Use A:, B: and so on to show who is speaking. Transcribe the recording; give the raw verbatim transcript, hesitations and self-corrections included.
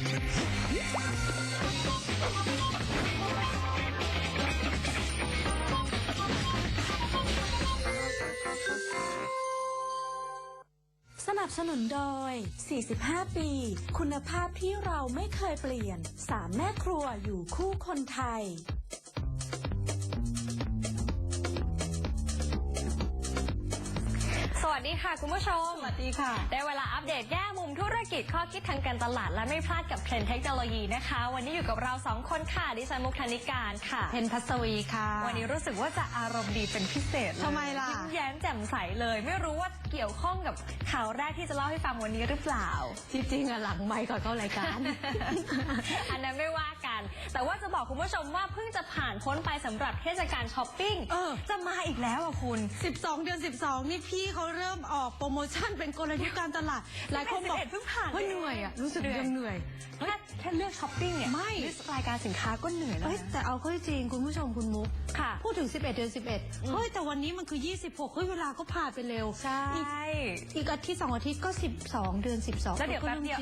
A: สนับสนุนโดย สี่สิบห้า ปี คุณภาพที่เราไม่เคยเปลี่ยน สาม แม่ครัวอยู่คู่คนไทย
B: สวัสดีค่ะคุณผู้ชมสวัสดีค่ะได้เวลาอัปเดตแง่มุมธุรกิจข้อคิดทางการตลาดและไม่พลาดกับเทรนด์เทคโนโลยีนะคะวันนี้อยู่กับเราสองคนค่ะดิฉันมุกธนิการค่ะ
C: เพนพัสวีค่ะ
B: วันนี้รู้สึกว่าจะอารมณ์ดีเป็นพิเศษเลย
C: ทำไมล่ะ
B: ยิ้มแย้มแจ่มใสเลยไม่รู้ว่าเกี่ยวข้องกับข่าวแรกที่จะเล่าให้ฟังวันนี้หรือเปล่า
C: จริงๆอะหลังไมค์ก่อนเข้ารายการ
B: อันนั้นไม่ว่ากันแต่ว่าจะบอกคุณผู้ชมว่าเพิ่งจะผ่านพ้นไปสำหรับเทศกาลช้อปปิ้งจะมาอีกแล้วอ่ะคุณ
C: สิบสองเดือนสิบสองนี่พี่เขาเริ่มออกโปรโมชั่นเป็นกลยุทธ์การตลาดหลายคนบอก
B: เพิ่งผ่าน
C: ว่าเหนื่อยอ่ะรู้สึกยังเหนื่อย
B: แค่แค่เลือกช้อปปิ้งเนี่ย
C: ไม่
B: รายการสินค้าก็เหนื่อยแล้ว
C: แต่เอาเข้าจริงคุณผู้ชมคุณมุก
B: ค่ะ
C: พูดถึงสิบเอ็ดเดือนสิบเอ็ดเฮ้ยแต่วันนี้มันคือยี่สิบหกเฮ้ยเวลาก็ผ่านไปเร็ว
B: ใช่
C: อีกอาทิตย์สองอาทิตย์ก็สิบสองเดือนสิบสอง
B: แล้วเดี๋ยวแป๊บเดียว